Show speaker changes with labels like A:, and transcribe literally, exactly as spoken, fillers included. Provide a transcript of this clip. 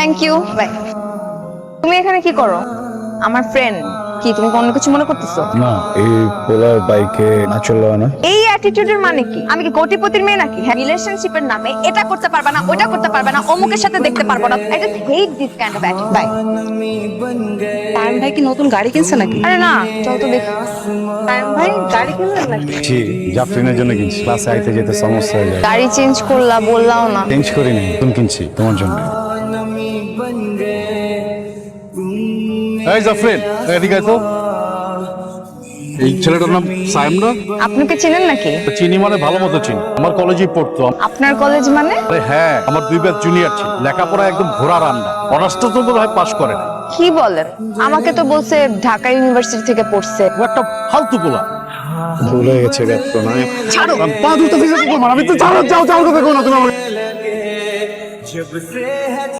A: Thank you, by. তুমি এখানে কি করো? আমার ফ্রেন্ড। কি তুমি অন্য কিছু মনে করতেছো?
B: না, এই পোলার বাইকে না চললো না।
A: এই অ্যাটিটিউডের মানে কি? আমি কি কোটিপতির মেয়ে নাকি? হ্যাঁ, রিলেশনশিপের নামে এটা করতে পারবে না, ওটা করতে পারবে না, অমুকের সাথে দেখতে পারবো না। I just hate this kind of attitude. Bye.
C: তাইম ভাই কি নতুন গাড়ি কিনছে নাকি?
A: আরে না, চল তো দেখি।
C: তাইম ভাই গাড়ি কিনলেন নাকি?
B: জি, জাফরিনের জন্য কিনছি। ক্লাসে আইতে যেতে সমস্যা হয়ে যায়।
A: গাড়ি চেঞ্জ করলা, বললাও না।
B: চেঞ্জ করিনি, নতুন কিনছি তোমার জন্য।
D: এই জাফরিন, এদিকে আয় তো। এই ছেলেটার নাম সাইম না?
A: আপনাকে চেনেন নাকি?
D: চিনি মানে ভালো মতো চিনি, আমার কলেজেই পড়তো।
A: আপনার কলেজ মানে?
D: আরে হ্যাঁ, আমার দুই ব্যাচ জুনিয়র ছিল, লেখাপড়া একদম ঘোড়া রান্না। অনার্সটা তো বোধ হয় পাস করে না।
A: কি বলেন? আমাকে তো বলছে ঢাকা ইউনিভার্সিটি থেকে পড়ছে।
D: ও একটা ফালতু পোলা।
B: ভুল হয়ে গেছে ব্যস্ত নয়।
D: ছাড়ো, পা দুটো দিকে আমি তো ছাড়ো, যাও যাও কথা কো না তুমি আমাকে।